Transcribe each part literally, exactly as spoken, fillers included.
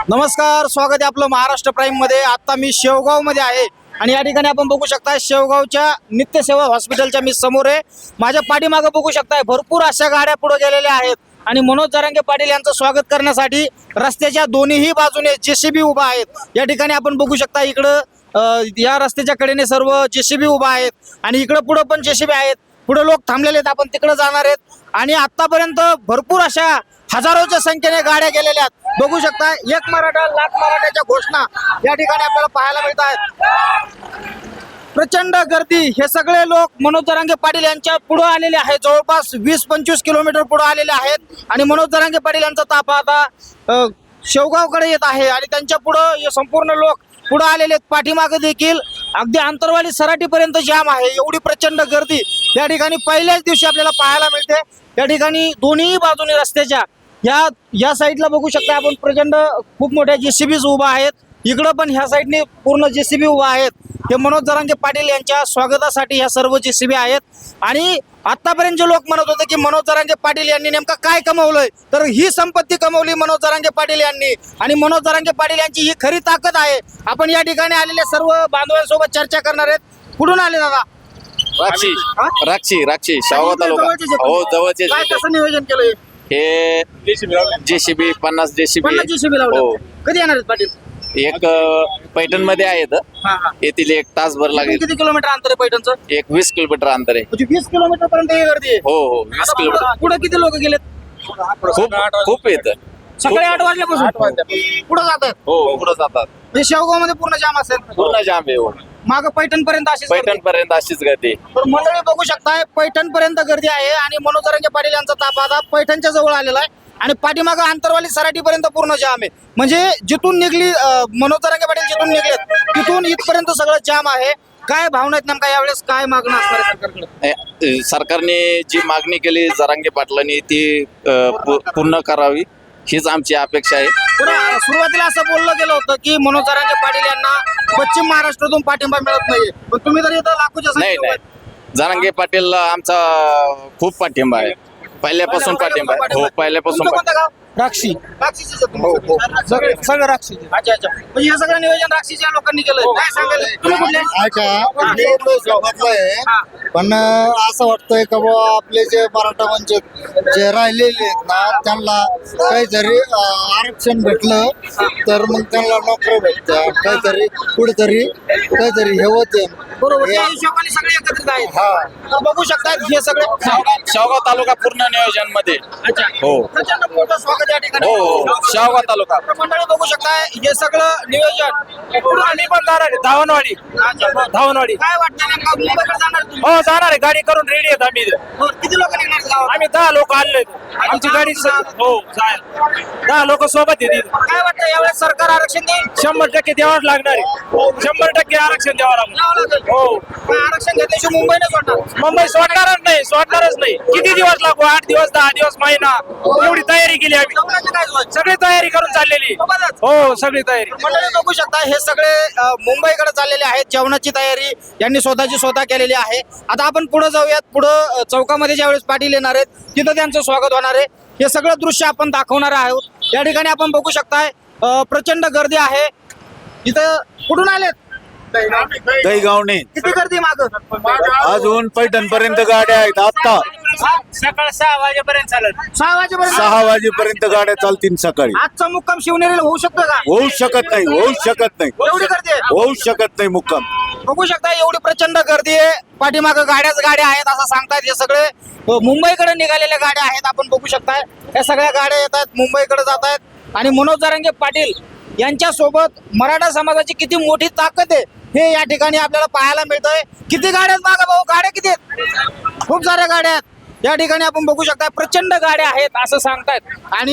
नमस्कार, स्वागत आहे आपलं महाराष्ट्र प्राईम मध्ये। आता मी शेवगाव मध्ये आहे आणि या ठिकाणी आपण बघू शकता शेवगावच्या नित्यसेवा हॉस्पिटलच्या मी समोर आहे। माझ्या पाठीमागे बघू शकता भरपूर अशा गाड्या पुढे गेलेल्या आहेत आणि मनोज जरांगे पाटील यांचं स्वागत करण्यासाठी रस्त्याच्या दोन्हीही बाजूने जेसीबी उभा आहेत। या ठिकाणी आपण बघू शकता इकडं या रस्त्याच्या कडेने सर्व जेसीबी उभा आहेत आणि इकडं पुढे पण जेसीबी आहेत। पुढे लोक थांबलेले आहेत, आपण तिकडे जाणार आहेत आणि आतापर्यंत भरपूर अशा हजारोच्या संख्येने गाड्या गेलेल्या आहेत। बघू शकता एक मराठा लाख मराठ्याच्या घोषणा या ठिकाणी आपल्याला पाहायला मिळत आहेत। प्रचंड गर्दी, हे सगळे लोक मनोज जरांगे पाटील यांच्या पुढे आलेले आहेत। जवळपास वीस पंचवीस किलोमीटर पुढे आलेले आहेत आणि मनोज जरांगे पाटील यांचा ताफा आता शेवगावकडे येत आहे आणि त्यांच्या पुढे हे संपूर्ण लोक पुढे आलेले आहेत। पाठीमागे देखील अगदी आंतरवाली सराटीपर्यंत जाम आहे। एवढी प्रचंड गर्दी या ठिकाणी पहिल्याच दिवशी आपल्याला पाहायला मिळते। या ठिकाणी दोन्ही बाजूने रस्त्याच्या या या साईडला बघू शकता आपण प्रचंड खूप मोठ्या जेसीबीज उभा आहेत। इकडं पण ह्या साईडने पूर्ण जेसीबी उभा आहेत। हे मनोज जरांगे पाटील यांच्या स्वागतासाठी ह्या सर्व जेसीबी आहेत आणि आतापर्यंत जे लोक म्हणत होते की मनोज जरांगे पाटील यांनी नेमका काय कमवलंय, तर ही संपत्ती कमवली मनोज जरांगे पाटील यांनी आणि मनोज जरांगे पाटील यांची ही खरी ताकद आहे। आपण या ठिकाणी आलेले सर्व बांधवांसोबत चर्चा करणार आहेत। कुठून आले दादा? राक्षी राक्षी राक्षी शेवगाव तालुका हो जवळचे काय कसं नियोजन केलंय? हे जेसीबी पन्नास जेसीबी पन्नास जेसीबी लावले। कधी येणार आहेत पाटील? एक पैठण मध्ये आहेत, येथील एक तासभर लागेल। किती किलोमीटर अंतर आहे पैठणचं? एक वीस किलोमीटर अंतर आहे। म्हणजे वीस किलोमीटर पर्यंत ही गर्दी आहे? हो हो वीस किलोमीटर। पुढे किती लोक गेलेत? खूप खूप येत सकाळी आठ वाजल्यापासून पुढे जातात? हो पुढे जातात। हे शेवगाव मध्ये पूर्ण जाम असेल? पूर्ण जाम आहे हो। माग पैठण पर्यंत अशीच गर्दी? पैठण पर्यंत अशीच गर्दी। तर मंडळी बघू शकताय पैठण पर्यंत गर्दी आहे आणि मनोज जरांगे पाटील यांचा ताफा आता पैठणच्या जवळ आलेला आहे आणि पाठीमागं आंतरवाली सराठी पर्यंत पूर्ण जाम आहे। म्हणजे जिथून निघली मनोज जरांगे पाटील जिथून निघलेत तिथून इथपर्यंत सगळं जाम आहे। काय भावना आहेत नेमका यावेळेस, काय मागणं असणार आहे सरकारकडे? सरकारने जी मागणी केली जरांगे पाटलांनी ती पूर्ण करावी हीच आमची अपेक्षा आहे। सुरुवातीला असं बोललं गेलं होतं की मनोज जरांगे पाटील यांना पश्चिम महाराष्ट्रातून पाठिंबा मिळत नाहीये, पण तुम्ही तर इथं लाखोच्या नाही नाही जरांगे पाटील आमचा खूप पाठिंबा आहे, पहिल्यापासून पाठिंबा आहे। हो पहिल्यापासून राक्षी सगळं राक्षी। अच्छा अच्छा, म्हणजे हे सगळं नियोजन राक्षीच्या लोकांनी केलं। काय सांगाल तुम्ही कुठले? ऐका मी तो स्वागतलाय, पण असं वाटतंय का बाबा आपले जे मराठा वंचित जे राहिलेले आहेत ना त्यांना काहीतरी आरक्षण भेटलं तर मग त्यांना नोकरी भेटत्या, काहीतरी कुठेतरी काहीतरी हे होते। बरोबर, त्या हिशोबाने सगळे एकत्रित आहेत। हा बघू शकता हे सगळे शेवगाव तालुका पूर्ण नियोजन मध्ये। अच्छा हो प्रचंड मोठं स्वागत या ठिकाणी। हो हो शेवगाव तालुका मंडळी बघू शकताय हे सगळं नियोजन। आम्ही पण जाणार आहे धावनवाडी धावनवाडी काय वाटतं नेमका मुंबईकडे जाणार तुम्ही? हो जाणार आहे, गाडी करून रेडी आहेत आम्ही। बरं, किती लोक निघणार गावात? आम्ही दहा लोक आणले, आमची गाडी स- हो जाय दहा लोक सोबत येतील। काय वाटतं यावेळेस सरकार आरक्षण देईल? शंभर टक्के द्यावंच लागणार आहे, शंभर टक्के आरक्षण द्यावं लागणार। द्यावं लागेल। हो काय आरक्षण घेतल्याशिवाय मुंबई नाही सोडणार? मुंबई सोडणारच नाही, सोडणारच नाही। किती दिवस लागू, आठ दिवस दहा दिवस महिना, एवढी तयारी केली आम्ही, जेवणाचं काय सोय? सगळी तयारी करून चाललेली। सोबतच? हो सगळी तयारी। मंडळी बघू शकता हे सगळे अ, मुंबईकडे चाललेले आहेत। जेवणाची तयारी यांनी स्वतःची स्वतः केलेली आहे। आता आपण पुढे जाऊयात। पुढे चौकामध्ये ज्यावेळेस पाटील येणार आहेत तिथं त्यांचं स्वागत होणार आहे। हे सगळं दृश्य आपण दाखवणार आहोत। या ठिकाणी आपण बघू शकताय अ, प्रचंड गर्दी आहे। इथं कुठून आलेत? दहीगावने किती गर्दी माग? अजून पैठण पर्यंत गाड्या आहेत। आता सकाळ सहा वाजेपर्यंत चालेल। सहा वाजेपर्यंत? सहा वाजेपर्यंत गाड्या चालतील सकाळी। आजचा मुक्काम शिवनेरीला होऊ शकतो का? होऊ शकत नाही, होऊ शकत नाही, एवढी गर्दी आहे? होऊ शकत नाही मुक्काम। बघू शकता एवढी प्रचंड गर्दी आहे। पाठीमागं गाड्याच गाड्या आहेत असं सांगतायत। हे सगळे अ, मुंबईकडे निघालेल्या गाड्या आहेत। आपण बघू शकताय या सगळ्या गाड्या येत आहेत, मुंबईकडे जात आहेत आणि मनोज जरांगे पाटील यांच्या सोबत मराठा समाजाची किती मोठी ताकद आहे हे या ठिकाणी आपल्याला पाहायला मिळतंय। किती गाड्या आहेत मागा भाऊ? गाड्या किती आहेत? खूप साऱ्या गाड्या आहेत या ठिकाणी आपण बघू शकता। प्रचंड गाड्या आहेत असं सांगतायत आणि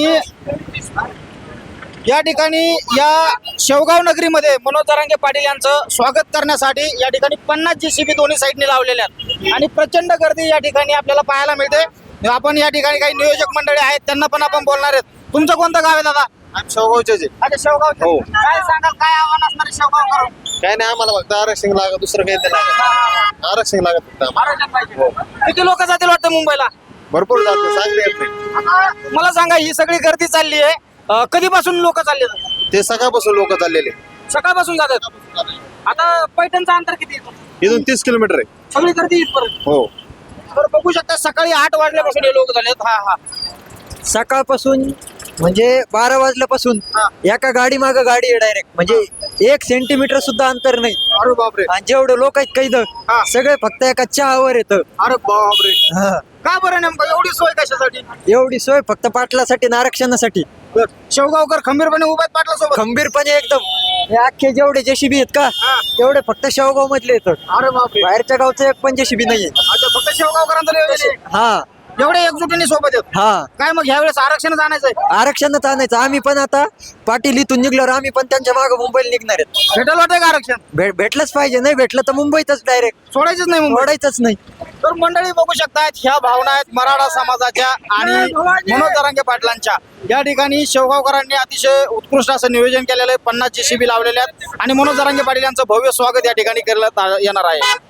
या ठिकाणी या शेवगाव नगरीमध्ये मनोज जरांगे पाटील यांचं स्वागत करण्यासाठी या ठिकाणी पन्नास जेसीबी दोन्ही साईडने लावलेल्या आहेत आणि प्रचंड गर्दी या ठिकाणी आपल्याला पाहायला मिळते। आपण या ठिकाणी काही नियोजक मंडळी आहेत त्यांना पण आपण बोलणार आहेत। तुमचं कोणतं गाव आहे दादा? शेवगावचे अच्छा शेवगावचे। हो। काय सांगाल, काय आव्हान असणार आहे शेवगाव करून? काय नाही, आम्हाला फक्त आरक्षण लागत, दुसरं काही नाही लागत। आरक्षण लागत फक्त आम्हाला। आरक्षण पाहिजे। किती लोक जातील वाटतं मुंबईला? भरपूर जातो, सांगता येत नाही। आता मला सांगा ही सगळी गर्दी चालली आहे अं, कधीपासून लोक चालले ते सकाळपासून लोक चाललेले. सकाळपासून जातात. आता पैठणचं अंतर किती येतो? इथून तीस किलोमीटर आहे. सगळी गर्दी इथपर्यंत. हो. तर बघू शकता सकाळी आठ वाजल्यापासून हे लोक झालेत. हा हा सकाळपासून म्हणजे बारा वाजल्यापासून हा. एका गाडी माग गाडी आहे डायरेक्ट, म्हणजे एक सेंटीमीटर सुद्धा अंतर नाही. अरे बापरे. आणि जेवढे लोक आहेत काही हा. सगळे फक्त एका चहावर येतं. अरे बापरे. हा. का बरं नेमकं एवढी सोय कशासाठी? एवढी सोय फक्त पाटलासाठी आणि आरक्षणासाठी. शेवगावकर खंबीरपणे उभे आहेत पाटला सोबत. खंबीरपणे एकदम. हे अख्खे जेवढे जेसीबी आहेत का हा. तेवढे फक्त शेवगाव मधले येतात. अरे बापरे. बाहेरच्या गावचं एक पण जेसीबी नाहीये. अच्छा, फक्त शेवगावकरांचं नियोजन आहे. हा एवढे एकजुटीने सोबत आहेत. हा काय मग ह्यावेळेस आरक्षणच आणायचंय? आरक्षणच आणायचं. आम्ही पण आता पाटील इथून निघल्यावर आम्ही पण त्यांच्या मागे मुंबईला निघणार आहेत. भेटेल वाटतंय का आरक्षण? भे- भेटलंच पाहिजे. नाही भेटलं तर मुंबईतच डायरेक्ट सोडायचंच नाही मुंबई. सोडायचंच नाही. तर मंडळी बघू शकतायत ह्या भावना आहेत मराठा समाजाच्या आणि मनोज जरांगे पाटलांच्या. या ठिकाणी शेवगावकरांनी अतिशय उत्कृष्ट असं नियोजन केलेलं आहे. पन्नास जेसीबी लावलेले आहेत आणि मनोज जरांगे पाटील यांचं भव्य स्वागत या ठिकाणी करण्यात आ- येणार आहे.